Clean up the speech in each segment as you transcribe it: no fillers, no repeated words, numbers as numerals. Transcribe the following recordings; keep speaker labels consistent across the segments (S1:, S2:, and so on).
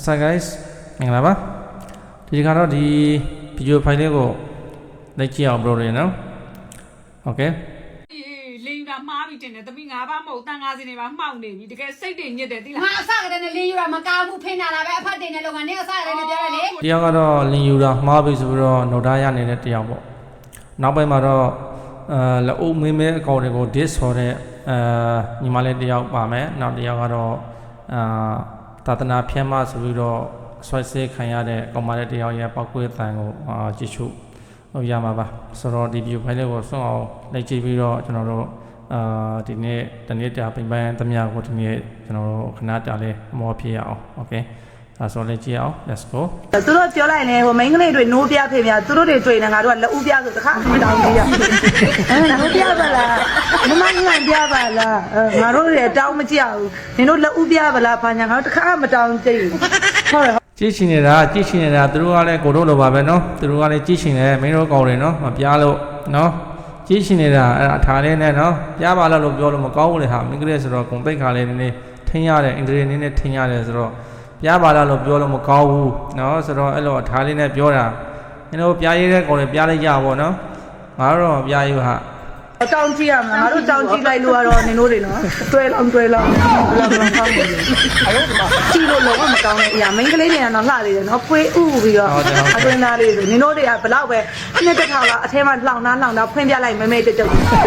S1: What's up guys မင်္ဂလာပါဒီကတော့ဒီ video file လေးကိုလိုက်ကြည့်အောင် bro တွေနော် Okay
S2: လင်းတာမှားပြီးတင်တယ်သမီး၅ပါးမဟုတ်တန်50နေပါမှောက်နေပြီတကယ်စိတ်တွေညစ်တယ်တိလား
S3: ငါအစကတည်းကလင်းယူတာမကောင်းဘူးဖိနေတာပဲအဖတ်တင်တဲ့လုံကနေအစကတည်းကပြောရလေ
S1: တယောက်ကတော့လင်ယူတာမှားပြီဆိုပြီးတော့ note ထားရနေတဲ့တယောက်ပေါ့နောက်ပိုင်းမှာတော့လက်အုပ်မင်းမဲအကောင့်တွေကို disk ဆိုတဲ့ညီမလေးတယောက်ပါမယ်နောက်တယောက်ကတော့သာသနာဖြန့်မဆိုပြီးတော့ဆွဲဆေးခံရတဲ့ကောင်မလေးတယောက်ရဲ့ပောက်ကွေးတန်ကိုကြည့်ရှုရမှာပါဆိုတော့ဒီ video file လေးကိုစွန့်အောင်လိုက်ကြည့်ပြီးတော့ကျွန်တော်တို့ဒီနေ့တနေ့တာပြင်ပန်းသမျှကိုဒီနေ့ကျွန်တော်တို့ခဏတာလေးအမောဖြစ်ရအောင် Okay ဒါဆိုလည်းကြည့်အောင် let's go
S4: သူတို့ပြောလိုက်နေဟိုမိန်းကလေးတွေနိုးပြဖေးမြသူတို့တွေတွေ့နေငါတို့ကလက်ဦးပြဆိုတခါမတောင်းကြီးရနိုးပြပါလားမမငန့်ပြပါလားငါတို့တွေတောင်းမကြဘူးနင်တို့လက်ဦးပြပါလားဘာညာငါတို့တခါမတောင်းကြည့်ဟုတ်တယ်
S1: ကြည့်ရှင်နေတာသူတို့ကလည်းကိုတို့လိုပါပဲเนาะသူတို့ကလည်းကြည့်ရှင်တယ်မင်းတို့ကောင်းတယ်เนาะမပြားလို့เนาะကြည့်ရှင်နေတာအဲ့အထားလေးနဲ့เนาะပြားပါလို့ပြောလို့မကောင်းဘူးလေဟာမိန်းကလေးဆိုတော့ဂုံတိတ်ခါလေးနည်းနည်းထင်းရတယ်အင်္ဂလိပ်နည်းနည်းထင်းရတယ်ဆိုတော့ပြားပါလို့ပြောလို့မကောင်းဘူးเนาะဆိုတော့အဲ့လိုအထားလေးနဲ့ပြောတာနင်တို့ပြားရည်တဲ့ကောင်လေးပြားလိုက်ကြပါเนาะငါတို့တော့ပြားရည်ဟာ
S4: တောင်းကြည့်ရမလားငါတို့တောင်းကြည့်လိုက်လို့ကတော့နင်တို့တွေနော်တွဲလောင်းဘယ်လောက်ဖောင်းနေလဲကြည့်လို့လုံးဝမကောင်းတဲ့အရာမိန်းကလေးတွေကတော့လှနေတယ်နော်ဖွေးဥပြီးတော့အတွင်းသားလေးဆိုနင်တို့တွေကဘလောက်ပဲနှစ်တစ်ခါလောက်အထဲမှာလှောင်တာဖွင့်ပြလိုက်မဲတုတ်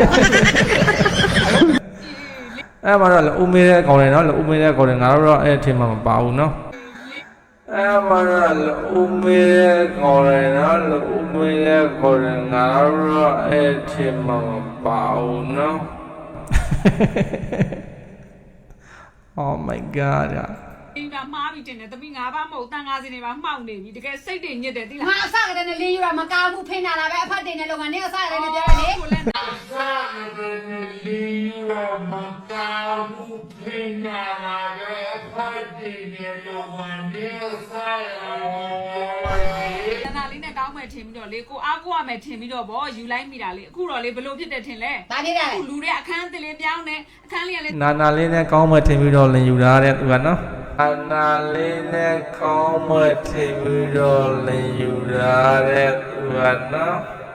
S1: အဲ့မှာတော့ဦးမေးတဲ့ကောင်လေးနော်ဦးမေးတဲ့ကောင်လေးငါတို့တော့အဲ့အထင်မှမပါဘူးနော်အဲ့မှာတော့ဦးမေးတဲ့ကောင်လေးနော်ဦးမေးတဲ့ကောင်လေးငါတို့တော့အဲ့အထင်မှမပါဘူးနော် Oh my god
S2: လင်းတာမှားပြီးတင်တယ်သမီး၅ပါးမဟုတ်တန်50နေပါမှောက်နေပြီတကယ်စိတ်တွေညစ်တယ်တိလား
S3: ငါအစကတည်းကလင်းယူတာမကောင်းဘူးဖိနေတာပဲအဖတ်တင်တဲ့လုံကနေအစကတည်းကပြောရလေ
S2: ကိုလည်းနာလင်းတာမကောင်းဘူးဖိနေတာပဲအဖတ်တင်တဲ့လုံကနေအစတနာလေးနဲ့တောင်းမယ်ထင်ပြီးတော့လေကိုအားကိုရမယ်ထင်ပြီးတော့ဗောယူလိုက်မိတာလေအခုတော့လေဘလို့ဖြစ်တယ်ထင်လဲ
S3: ဘာဖြစ်တာလဲ
S2: လူတွေအခန်းအသစ်လေးပြောင်းနေအခန်းလေးကလေ
S1: နာလေးနဲ့ကောင်းမှထင်ပြီးတော့လင်ယူတာတဲ့သူကနော်နာလေးနဲ့ကောင်းမှထင်ပြီးတော့လင်ယူတာတဲ့သူကနော်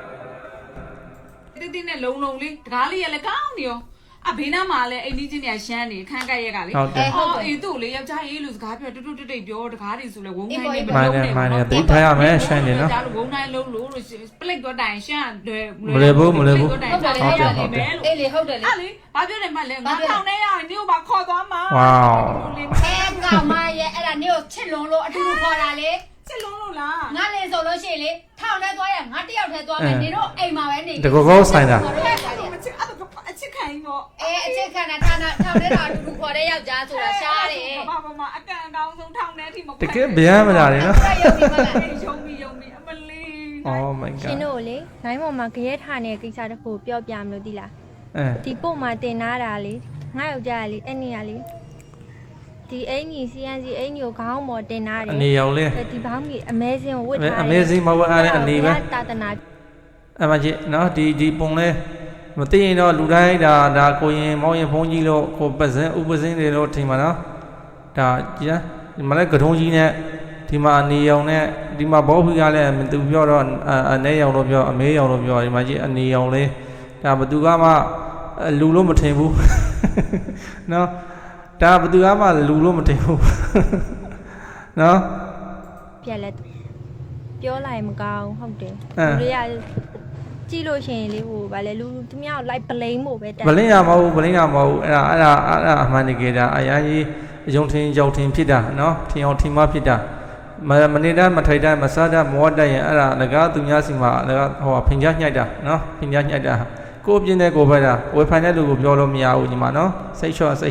S2: တိတိနဲ့လုံလေးတကားလေးရလေကောင်းနေရောအဘေးနားမှာလည်းအိမ်ကြီးချင်းတွေကရှမ်းနေခန်းကက်ရက်ကလေအေးသူ့လေယောက်ျားရေးလို့စကားပြောတူတိတ်ပြောတကားတွေဆိုလဲဝုန်းတိုင်းနဲ့
S1: မနေတိတ်ထားရမယ်ရှမ်းနေနော်
S2: ဝုန်းတိုင်းလုံးလို့ပလိတ်တော့တိုင်ရှမ်း
S1: မလဲဘူး
S3: ဟုတ်တယ်လေအေးလေဟုတ်တယ်လေ
S2: အဲ့လေဘာပြောတယ်မှလဲငါထောင်နေရနေကိုပါခေါ်သွားမှာ
S1: ဝေါ
S3: အဲကောင်မရဲ့အဲ့ဒါနေကိုချစ်လွန်လို့အတူတူခေါ်တာလေ
S2: ချစ်လုံးလို့လား
S3: ငါလေဆိုလို့ရှိရင်လေထောင်ထဲသွားရငါတယောက်ထဲသွားမယ်နေတော့အိမ်မှာပဲနေ
S1: တကောဆိုင်တာ
S2: အချစ်ခံရင်ပေါ့
S3: အချစ်ခံတာထောင်ထဲတော့အတူတူခေါ်တဲ့ယောက်ျားဆိုတာရှားတယ်
S2: ဘာအကန်အကောင်းဆုံးထောင်ထဲထိမ
S1: တကယ်ဗျမ်းမလားလေနော်
S2: ယုံပြီးအမလေး
S1: Oh my god
S5: ရှင်တို့လေနိုင်ပေါ်မှာကြရဲထားနေတဲ့ကိစ္စတစ်ခုပြောပြမလို့ဒီလားဒီပို့မှာတင်နာတာလေငါယောက်ျားလေအဲ့နေရလေဒီအင်ကြီး CNC အင်ကြီးကိုခေါင်းပေါ်တင်နာတယ်
S1: အနေရောင်လေး
S5: ဒီဘောင်းကြီး Amazing ကိုဝတ်ထားတယ်
S1: Amazing မဝတ်အားတဲ့အနေပဲ
S5: တာတနာ
S1: အမကြီးနော်ဒီပုံလဲမသိရင်တော့လူတိုင်းဒါကိုရင်မောင်ရင်ဖုန်းကြီးလို့ကိုပစင်းဥပစင်းတွေလို့ထင်ပါနော်ဒါကြည်ဒီမှာလဲကထုံးကြီးနဲ့ဒီမှာအနေရောင်နဲ့ဒီမှာဘောဖီကလည်းသူပြောတော့အနေရောင်လို့ပြောအမေရောင်လို့ပြောဒီမှာကြီးအနေရောင်လေးဒါဘသူကမှလူလို့မထင်ဘူးနော်ဒါဘသူကမှလူလို့မထင်ဘူးနော်
S5: ပြက်လက်ပြောလိုက်မကောင်းဟုတ်တယ်လူတွေကကြည့်လို့ရှိရင်လေဟိုဗာလေလူသူများကိုလိုက်ပလိန်ဖို့ပဲ
S1: ပလိန်ရမဟုတ်အဲ့ဒါအမှန်တကယ်ဒါအရာကြီးယုံထင်ကြောက်ထင်ဖြစ်တာနော်ထင်အောင်ထင်မှဖြစ်တာမနေတတ်မထိုက်တတ်မစားတတ်မောတတ်ရင်အဲ့ဒါငကားသူများစီမှာငကားဟိုဖင်ကြားညှိုက်တာနော်ဖင်ကြားညှိုက်တာကိုပြင်းတဲ့ကိုပဲတာဝေဖိုင်တဲ့လူကိုပြောလို့မရဘူးညီမနော်စိတ်ချော့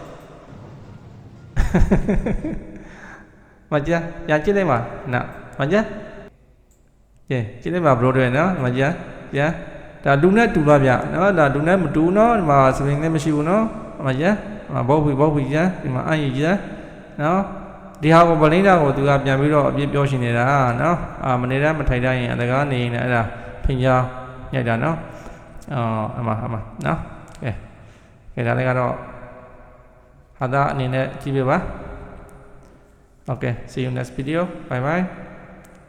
S1: မကြပြန်ကြည့်လိုက်ပါနော်မကြကြည့်လိုက်ပါဘရိုတွေနော်မကြပြန်ဒါလူနဲ့တူပါဗျနော်ဒါလူနဲ့မတူနော်ဒီမှာစပင်းလည်းမရှိဘူးနော်မကြဘောဖီကြဒီမှာအန်ကြီးကြနော်ဒီဟာကိုဗလိန်းတာကိုသူကပြန်ပြီးတော့အပြစ်ပြောရှင်နေတာနော်မနေတတ်မထိုက်တတ်ရင်အလကားနေရင်လည်းအဲ့ဒါဖင်ကြားညက်တာနော်အမနော်ကဲဒါလည်းကတော့ဟာသာအနေနဲ့ကြည့်ပြပါ Okay, see you next video. Bye bye.